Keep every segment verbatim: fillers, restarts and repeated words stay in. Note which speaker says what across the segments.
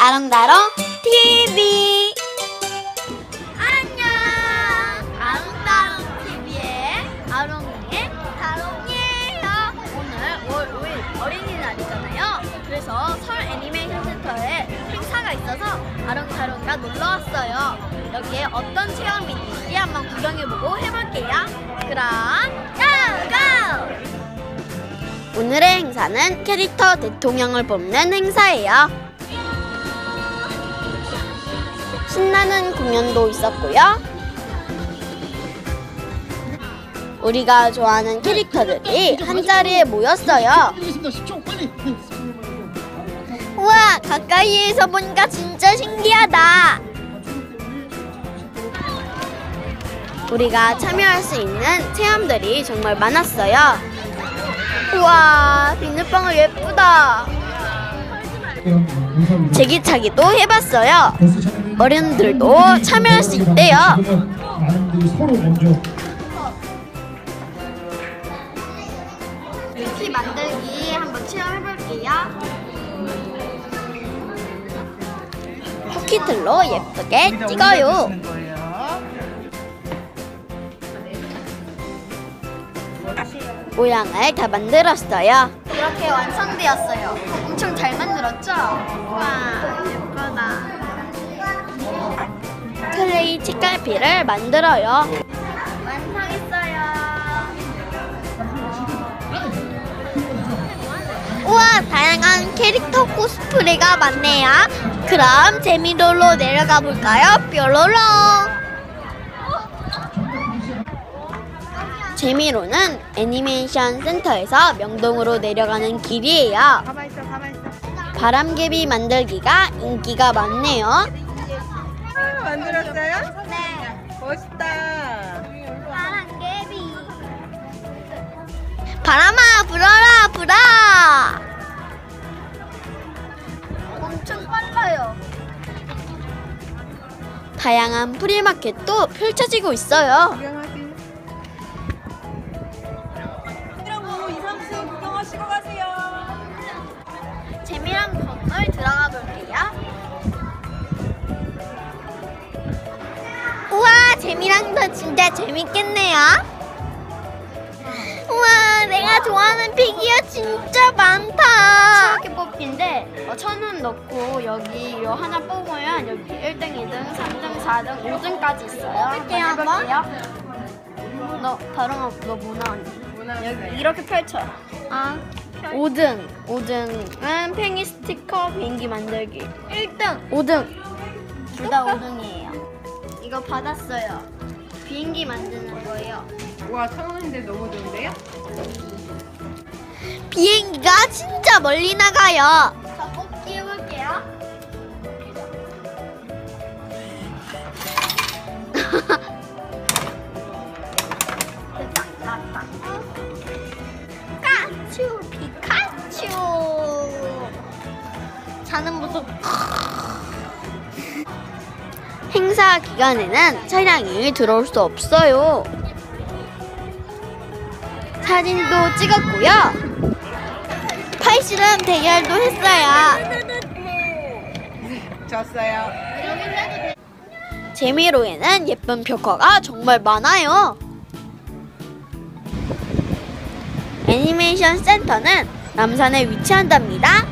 Speaker 1: 아롱다롱 티비.
Speaker 2: 안녕. 아롱다롱 티비의 아롱이의 다롱이에요. 오늘 오월 오일 어린이날이잖아요. 그래서 설 애니메이션 센터에 행사가 있어서 아롱다롱이가 놀러 왔어요. 여기에 어떤 체험이 있는지 한번 구경해보고 해볼게요. 그럼 고고!
Speaker 1: 오늘의 행사는 캐릭터 대통령을 뽑는 행사예요. 신나는 공연도 있었고요. 우리가 좋아하는 캐릭터들이 한자리에 모였어요. 우와, 가까이에서 보니까 진짜 신기하다. 우리가 참여할 수 있는 체험들이 정말 많았어요. 우와, 비눗방울 예쁘다. 제기차기도 해봤어요. 어른들도 참여할 수 있대요.
Speaker 2: 키 만들기 한번 체험해볼게요.
Speaker 1: 쿠키틀로 예쁘게 찍어요. 모양을 다 만들었어요.
Speaker 2: 이렇게 완성되었어요. 엄청 잘 만들었죠? 와, 예쁘다.
Speaker 1: 클레이 책갈피를 만들어요.
Speaker 2: 완성했어요.
Speaker 1: 우와, 다양한 캐릭터 코스프레가 많네요. 그럼 재미롤로 내려가 볼까요? 뾰로로. 재미로는 애니메이션 센터에서 명동으로 내려가는 길이에요.
Speaker 2: 가만 있어, 가만 있어.
Speaker 1: 바람개비 만들기가 인기가 많네요.
Speaker 3: 아, 만들었어요?
Speaker 2: 네.
Speaker 3: 멋있다.
Speaker 2: 바람개비.
Speaker 1: 바람아, 불어라, 불어.
Speaker 2: 엄청 빨라요.
Speaker 1: 다양한 프리마켓도 펼쳐지고 있어요.
Speaker 3: 구경하세요. 이라고 이삼층 구경하시고 가세요.
Speaker 2: 재미난 건물 들어가 볼게요.
Speaker 1: 우와, 재미랑도 진짜 재밌겠네요. 우와, 내가 좋아하는 피규어 진짜 많다.
Speaker 2: 이렇게 뽑기인데 어, 천 원 넣고 여기 요 하나 뽑으면 여기 일 등, 이 등, 삼 등, 사 등, 오 등까지 있어요.
Speaker 1: 해볼게요,
Speaker 2: 한번 해볼게요. 너 다롱아, 너 뭐 나왔니? 여기 이렇게 펼쳐요.
Speaker 1: 아, 오 등. 오 등은 팽이 스티커 비행기 만들기.
Speaker 2: 일 등.
Speaker 1: 오 등.
Speaker 2: 둘 다 오 등이에요. 이거 받았어요. 비행기 만드는 거예요.
Speaker 3: 와, 천 원인데 너무 좋은데요?
Speaker 1: 비행기가 진짜 멀리 나가요.
Speaker 2: 자, 뽑기 해볼게요. 됐다, 나왔다.
Speaker 1: 피카츄, 피카츄. 자는 모습. 행사 기간에는 차량이 들어올 수 없어요. 사진도 찍었고요. 팔씨름 대결도 했어요.
Speaker 3: 졌어요.
Speaker 1: 재미로에는 예쁜 벽화가 정말 많아요. 애니메이션 센터는 남산에 위치한답니다.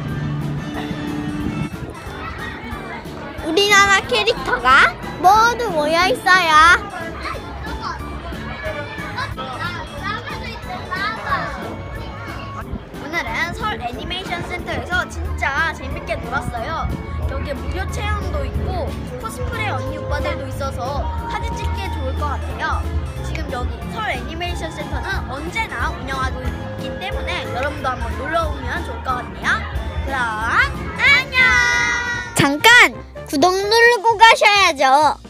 Speaker 1: 우리나라 캐릭터가 모두 모여 있어요.
Speaker 2: 오늘은 설 애니메이션 센터에서 진짜 재밌게 놀았어요. 여기에 무료 체험도 있고 코스프레 언니 오빠들도 있어서 사진 찍기에 좋을 것 같아요. 지금 여기 설 애니메이션 센터는 언제나 운영하고 있기 때문에 여러분도 한번 놀러 오면 좋을 것 같네요. 그럼 안녕!
Speaker 1: 잠깐! 구독 누르고 가셔야죠.